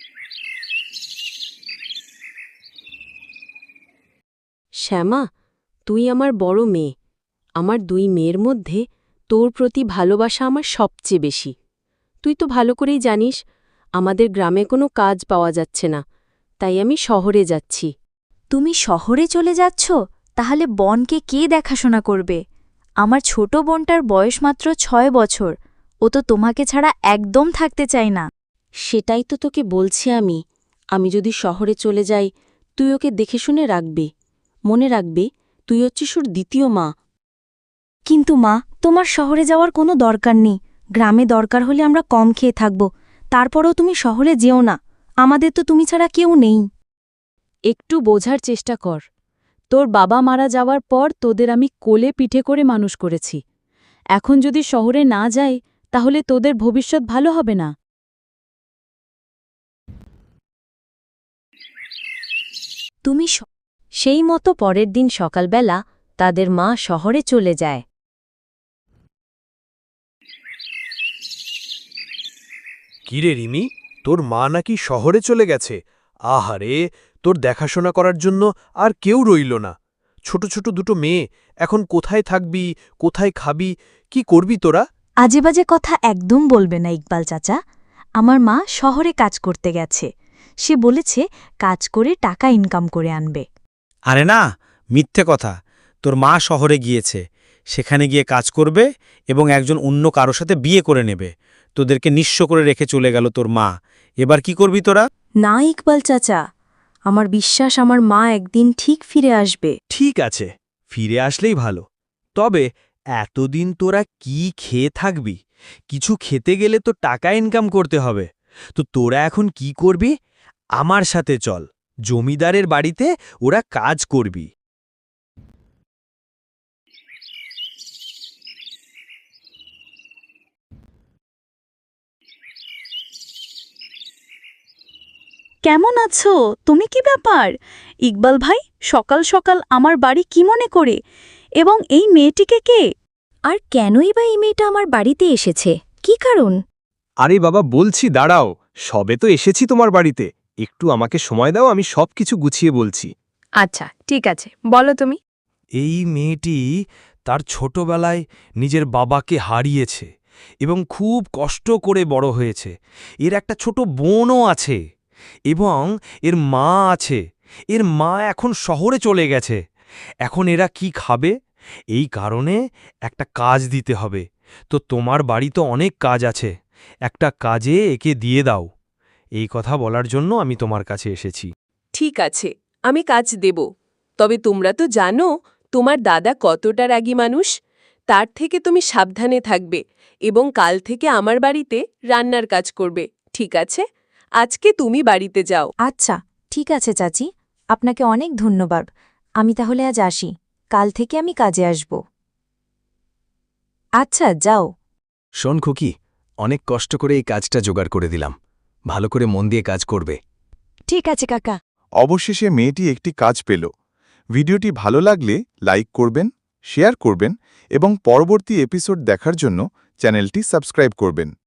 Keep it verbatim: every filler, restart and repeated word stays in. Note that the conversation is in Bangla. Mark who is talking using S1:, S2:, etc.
S1: শ্যামা, তুই আমার বড় মেয়ে। আমার দুই মেয়ের মধ্যে তোর প্রতি ভালোবাসা আমার সবচেয়ে বেশি। তুই তো ভালো করেই জানিস আমাদের গ্রামে কোনো কাজ পাওয়া যাচ্ছে না, তাই আমি শহরে যাচ্ছি।
S2: তুমি শহরে চলে যাচ্ছ? তাহলে বনকে কে দেখাশোনা করবে? আমার ছোট বোনটার বয়স মাত্র ছয় বছর। ও তো তোমাকে ছাড়া একদম থাকতে চায় না।
S1: সেটাই তো তোকে বলছি আমি। আমি যদি শহরে চলে যাই, তুই ওকে দেখে শুনে রাখবি। মনে রাখবি, তুই হচ্ছিস ওর দ্বিতীয় মা।
S2: কিন্তু মা, তোমার শহরে যাওয়ার কোনো দরকার নেই। গ্রামে দরকার হলে আমরা কম খেয়ে থাকব। তারপরেও তুমি শহরে যেও না। আমাদের তো তুমি ছাড়া কেউ নেই।
S1: একটু বোঝার চেষ্টা কর। তোর বাবা মারা যাওয়ার পর তোদের আমি কোলে পিঠে করে মানুষ করেছি। এখন যদি শহরে না যাই, তাহলে তোদের ভবিষ্যৎ ভালো হবে না।
S2: তুমি সেই মতো পরের দিন সকালবেলা তাদের মা শহরে চলে যায়।
S3: কিরে রিমি, তোর মা নাকি শহরে চলে গেছে? আহারে, তোর দেখাশোনা করার জন্য আর কেউ রইল না। ছোট ছোট দুটো মেয়ে, এখন কোথায় থাকবি, কোথায় খাবি, কি করবি তোরা?
S2: আজেবাজে কথা একদম বলবে না ইকবাল চাচা। আমার মা শহরে কাজ করতে গেছে। সে বলেছে কাজ করে টাকা ইনকাম করে আনবে।
S4: আরে না, মিথ্যে কথা। তোর মা শহরে গিয়েছে, সেখানে গিয়ে কাজ করবে এবং একজন অন্য কারো সাথে বিয়ে করে নেবে। তোদেরকে নিঃস্ব করে রেখে চলে গেল তোর মা। এবার কি করবি তোরা?
S2: না ইকবাল চাচা, আমার বিশ্বাস আমার মা একদিন ঠিক ফিরে আসবে।
S3: ঠিক আছে, ফিরে আসলেই ভালো। তবে এতদিন তোরা কি খেয়ে থাকবি? কিছু খেতে গেলে তো টাকা ইনকাম করতে হবে। তো তোরা এখন কি করবি? আমার সাথে চল, জমিদারের বাড়িতে ওরা কাজ করবি।
S2: কেমন আছো? তুমি কি ব্যাপার? ইকবাল ভাই, সকাল সকাল আমার বাড়ি কি মনে করে? এবং এই মেয়েটিকে কে? আর কেনই বা এই মেয়েটা আমার বাড়িতে এসেছে? কি কারণ?
S3: আরে বাবা, বলছি দাঁড়াও, সবে তো এসেছি তোমার বাড়িতে। একটু আমাকে সময় দাও, আমি সব কিছু গুছিয়ে বলছি।
S1: আচ্ছা, ঠিক আছে, বলো তুমি।
S3: এই মেয়েটি তার ছোটবেলায় নিজের বাবাকে হারিয়েছে এবং খুব কষ্ট করে বড় হয়েছে। এর একটা ছোট বোনও আছে এবং এর মা আছে। এর মা এখন শহরে চলে গেছে। এখন এরা কি খাবে? এই কারণে একটা কাজ দিতে হবে। তো তোমার বাড়ি তো অনেক কাজ আছে, একটা কাজে একে দিয়ে দাও। এই কথা বলার জন্য আমি তোমার কাছে এসেছি।
S5: ঠিক আছে, আমি কাজ দেব। তবে তোমরা তো জানো তোমার দাদা কতটা রাগী মানুষ। তার থেকে তুমি সাবধানে থাকবে এবং কাল থেকে আমার বাড়িতে রান্নার কাজ করবে, ঠিক আছে? আজকে তুমি বাড়িতে যাও।
S2: আচ্ছা, ঠিক আছে চাচি, আপনাকে অনেক ধন্যবাদ। আমি তাহলে আজ আসি। কাল থেকে আমি কাজে আসব। আচ্ছা, যাও।
S3: শোন খুকি, অনেক কষ্ট করে এই কাজটা জোগাড় করে দিলাম। ভালো করে মন দিয়ে কাজ করবে।
S2: ঠিক আছে কাকা।
S6: অবশেষে মেয়েটি একটি কাজ পেল। ভিডিওটি ভালো লাগলে লাইক করবেন, শেয়ার করবেন এবং পরবর্তী এপিসোড দেখার জন্য চ্যানেলটি সাবস্ক্রাইব করবেন।